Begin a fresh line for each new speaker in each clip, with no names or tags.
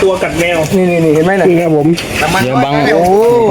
ตัวกัดแมว
นี่เห็นไหมน่ะ
นี่ครับผม
เดี๋ยวบัง
โอ้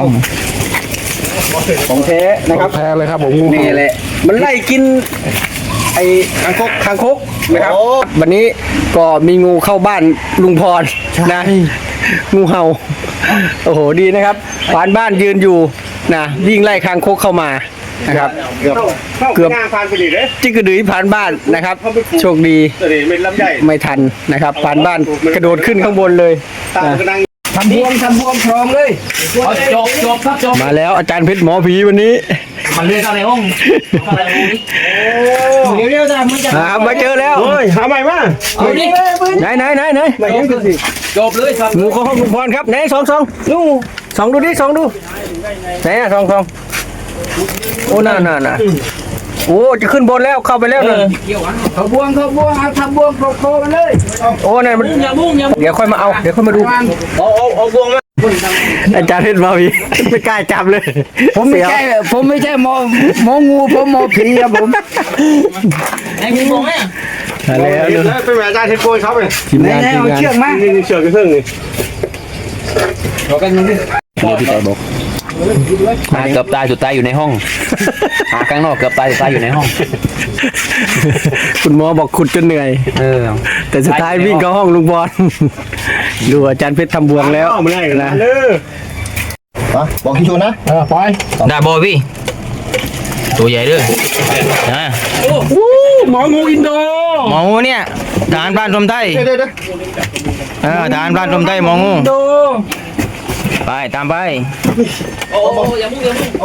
ของแท้นะครับ
แพ้เลยครับผม
นี่แหละมันไล่กินไอ้คางคกนะครับวันนี้ก็มีงูเข้าบ้านลุงพรนะงูเห่าโอ้โหดีนะครับผ่านบ้านยืนอยู่นะวิ่งไล่คางคกเข้ามานะครับเกือบ
ผ่านไปดิเลย
จิ้งกระดือผ่านบ้านนะครับโชคดีไม่ทันนะครับผ่านบ้านกระโดดขึ้นข้างบนเลยทำบวมพร้อมเลย
จบครับจบ
มาแล้วอาจารย์เพชรหมอผีวันนี้
มันเรียกอะไรห้องอะไรเร็วๆจ้ะมึงจะ
มาเจอแล้ว
หาใหม่มา
ไหน
จบเลยครับ
งูเข้าห้องลุงพรครับไหนสองดูดิสองดูไหนอ่ะสองโอ้น่าโอ้จะขึ้นบนแล้วเข้าไปแล้วนะ
เขาบวงทำบวงโคกันเลย
โอ้นั่นมันเดี๋ยวค่อยมาเอาเดี๋ยวค่อยมาดู
เอาบวงมา
อาจารย์เพชรมาพี่ไม่กล้าจับเลย
ผมไม่ใช่หมองูผมหมอผีครับผม
ไอ้พี่มองไหม
แล้ว
เป็นอาจารย์เทปโกยเขาไป
ทีมงาน
เชือกมาเชือกกระเทืองนี่
รอกันนึงดิพี่ต่อบอกเกือบตายสุดตายอยู่ในห้องหาข้างนอกเกือบตายสุดตายอยู่ในห้อง
คุณหมอบอกขุดจนเหนื่อยแต่สุดท้ายวิ่งเข้าห้องลุงบอลดูอาจารย์เพชรทำบวงแล้ว
นะ
บอกที่ชนนะ
ปล่อย
ได้บอพี่ตัวใหญ่ด้วยนะ
หมองูอินโด
หมองูเนี่ยทหารพรานชมไทยทหารพรานชมไทยหมองูไปตามไปโอ้อย่ามุ่ง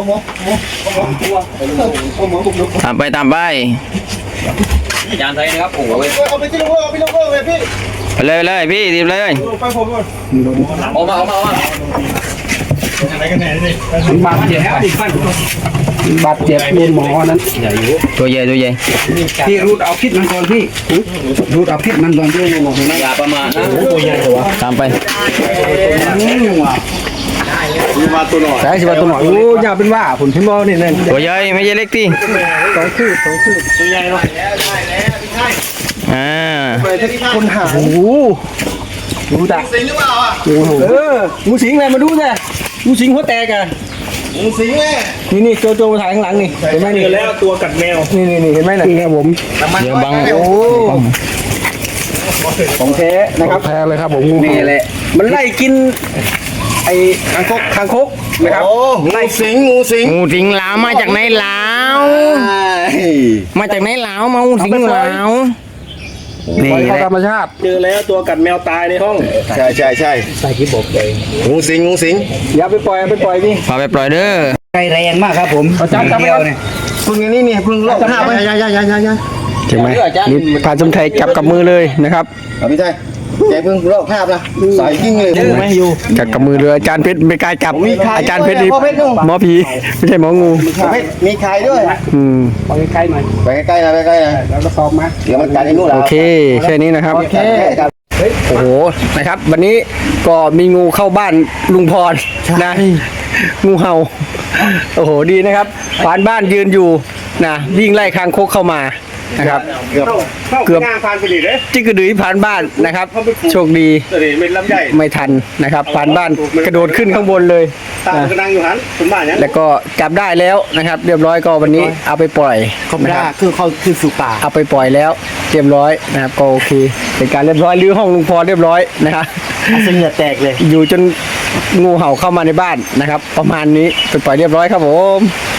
ตามไปอาจารย์ไทยนะครับโอ้
เอาไปที่ลูกเอาไปเลยพี่
ไปเลยพี่รีบเลยออกมา
บาดเจ็บเรียนหมอนั้น
ตัวใหญ่
พี่รูดเอาพิษมันก่อนพี่รูดเอาพิษมันก่อนพี่
อย่าประมาทนะ
ตัวใหญ่ตัว
ตามไป
มาตัวหน่อย
ใช่สิว่าตัวหน่อยโอ้ยาวเป็นว่าผลพิมพ์นี่นั่น
ตัวใหญ่ไม่ใช่เล็กที่
2 คืบ
ตัวใหญ่เนาะ
คนหาโอ้ดูดัก
สิงหรือเปล่าอ่ะ
งูสิงอะไรมาดูสิงูสิงหัวแตกอ่ะ
งูสิงแม่
นี่โจมาถ่ายข้างหลังนี่เห็นไหมนี่
แล้วตัวกัดแมว
นี่เห็นไหมน่ะ
นี่ครับผม
เดี๋ยวบัง
โอ้ของแท้นะครับ
แพ้เลยครับผม
นี่แหละมันไล่กินไอ้คางคกนะครับ
ไล่งูสิง
หลาวมาจากไหนหลาวมาจากไหนหลาวมางูสิงหลาว
นี่
ธรรมชาติเจอแล้วตัวกัดแมวตายในห้อง
ใช่
ใส่กิ๊บบเลย
งูสิง
อย่าไปปล่อยพี่
พาไปปล่อยเด้อ
ไฟแรงมากครับผม
จับไปเนี่ย
พึ่งนี่พึ่งโลกห้าไป
ใช่ไหมนี่พาสมไทยจับกับมือเลยนะครับ
พี่ชายใจพึ่งโลกห้านะสายกิ้งเลย
ไม่อยู่จับกับมือเลยอาจารย์เพชรไม่กล้าจับอาจารย์เพชรนี่หมอผีไม่ใช่หมองู
มีไข่ด้วย
ไปใกล้หน่อย
ไปใกล้นะ
แล้วก็ซ้อมมา
เดี๋ยวมันกัดไอ้นู่น
โอเคแค่นี้นะครับโอ้โหนะครับวันนี้ก็มีงูเข้าบ้านลุงพรนะงูเห่าโอ้โหดีนะครับผ่านบ้านยืนอยู่นะวิ่งไล่คางคกเข้ามานะครับเกือบ
ผ่านไปดิเลย
จิ้งกระดือผ่านบ้านนะครับโชคดีไม่ทันนะครับผ่านบ้านกระโดดขึ้นข้างบนเลย
กระดังอยู่หันสมบัติ
แล้วก็จับได้แล้วนะครับเรียบร้อยก็วันนี้เอาไปปล่อย
นะครับคือเขาคือสู่ป่า
เอาไปปล่อยแล้วเรียบร้อยนะครับก็โอเคเป็นการเรียบร้อยรื้อห้องลุงพรเรียบร้อยนะครับ
เสียแตกเลย
อยู่จนงูเห่าเข้ามาในบ้านนะครับประมาณนี้ไปปล่อยเรียบร้อยครับผม